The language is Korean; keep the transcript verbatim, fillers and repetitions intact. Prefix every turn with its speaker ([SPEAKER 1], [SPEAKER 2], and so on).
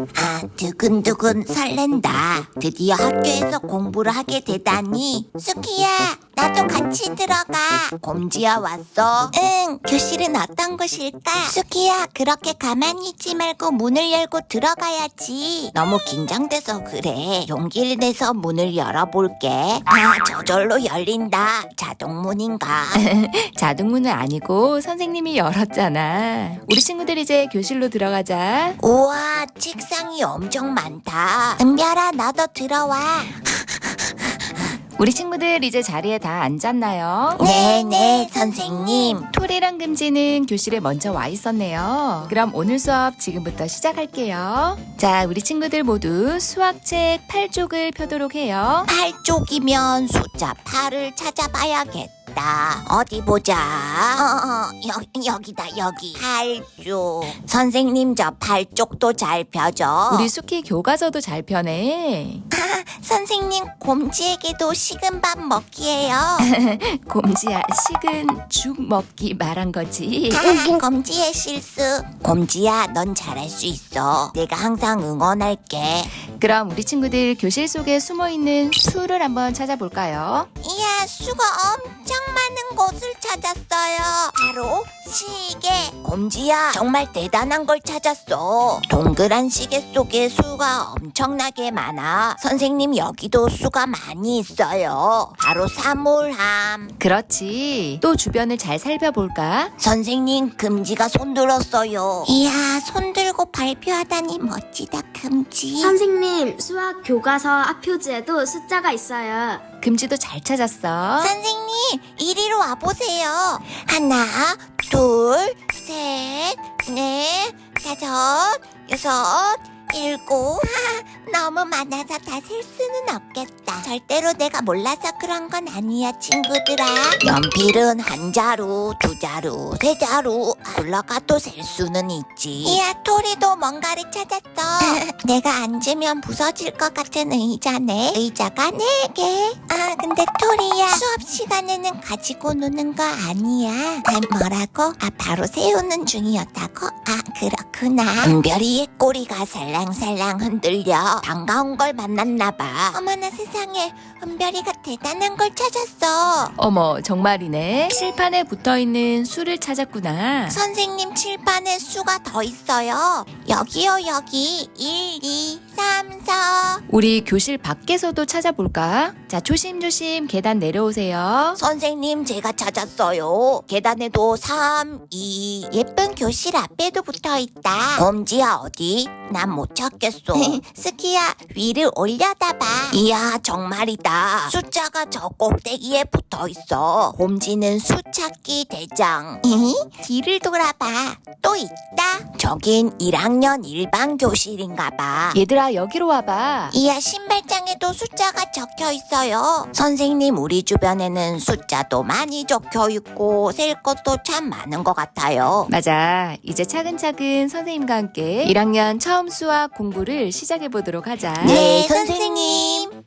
[SPEAKER 1] 아, 두근두근 설렌다. 드디어 학교에서 공부를 하게 되다니. 수키야, 나도 같이 들어가. 곰지야 왔어? 응, 교실은 어떤 곳일까? 수키야, 그렇게 가만히 있지 말고 문을 열고 들어가야지. 너무 긴장돼서 그래. 용기를 내서 문을 열어볼게. 아, 저절로 열린다. 자동문인가?
[SPEAKER 2] 자동문은 아니고 선생님이 열었잖아. 우리 친구들 이제 교실로 들어가자.
[SPEAKER 1] 우와, 책상이 엄청 많다. 은별아, 너도 들어와.
[SPEAKER 2] 우리 친구들 이제 자리에 다 앉았나요?
[SPEAKER 1] 네네, 선생님.
[SPEAKER 2] 토리랑 금지는 교실에 먼저 와 있었네요. 그럼 오늘 수업 지금부터 시작할게요. 자, 우리 친구들 모두 수학책 팔 쪽을 펴도록 해요.
[SPEAKER 1] 팔 쪽이면 숫자 팔을 찾아봐야겠다. 어디 보자. 어, 어, 여, 여기다, 여기. 팔 쪽. 선생님, 저 팔 쪽도 잘 펴줘.
[SPEAKER 2] 우리 수키 교과서도 잘 펴네.
[SPEAKER 1] 아, 선생님, 곰지에게도 식은 밥 먹기예요.
[SPEAKER 2] 곰지야, 식은 죽 먹기 말한 거지.
[SPEAKER 1] 아, 곰지의 실수. 곰지야, 넌 잘할 수 있어. 내가 항상 응원할게.
[SPEAKER 2] 그럼 우리 친구들 교실 속에 숨어있는 수를 한번 찾아볼까요?
[SPEAKER 1] 이야, 수가 엄청 많은 곳을 찾았어요. 바로 시계. 곰지야, 정말 대단한 걸 찾았어. 동그란 시계 속에 수가 엄청나게 많아. 선생님, 여기도 수가 많이 있어요. 바로 사물함.
[SPEAKER 2] 그렇지. 또 주변을 잘 살펴볼까?
[SPEAKER 1] 선생님, 금지가 손 들었어요. 이야, 손 들고 발표하다니 멋지다, 금지.
[SPEAKER 3] 선생님, 수학 교과서 앞표지에도 숫자가 있어요.
[SPEAKER 2] 금지도 잘 찾았어.
[SPEAKER 1] 선생님, 이리로 와보세요. 하나, 둘, 셋, 넷, 다섯, 여섯, 일곱. 하, 너무 많아서 다 셀 수는 없겠다. 절대로 내가 몰라서 그런 건 아니야, 친구들아. 연필은 한 자루, 두 자루, 세 자루 올라가도 셀 수는 있지. 이야, 토리도 뭔가를 찾았어. 내가 앉으면 부서질 것 같은 의자네. 의자가 네 개. 아, 근데 토리야, 수업 시간에는 가지고 노는 거 아니야. 아, 뭐라고? 아, 바로 세우는 중이었다고? 아, 그렇구나. 은별이의 꼬리가 살랑살랑 흔들려 반가운 걸 만났나 봐. 어머나 세상에, 은별이가 대단한 걸 찾았어.
[SPEAKER 2] 어머, 정말이네. 칠판에 붙어있는 수를 찾았구나.
[SPEAKER 1] 선생님, 칠판에 수가 더 있어요. 여기요, 여기. 일, 이, 삼, 사.
[SPEAKER 2] 우리 교실 밖에서도 찾아볼까? 자, 조심조심 계단 내려오세요.
[SPEAKER 1] 선생님, 제가 찾았어요. 계단에도 삼, 이. 예쁜 교실 앞에도 붙어있다. 곰지야, 어디? 난 못 찾겠어. 스키야, 위를 올려다봐. 이야, 정말이다. 숫자가 저 꼭대기에 붙어있어. 곰지는 수찾기 대장. 뒤를 돌아봐. 또 있다. 저긴 일 학년 일반 교실인가봐.
[SPEAKER 2] 얘들아, 여기로 와봐.
[SPEAKER 1] 이야, 신발장에도 숫자가 적혀 있어요. 선생님, 우리 주변에는 숫자도 많이 적혀 있고 셀 것도 참 많은 것 같아요.
[SPEAKER 2] 맞아. 이제 차근차근 선생님과 함께 일 학년 처음 수학 공부를 시작해 보도록 하자.
[SPEAKER 1] 네, 선생님.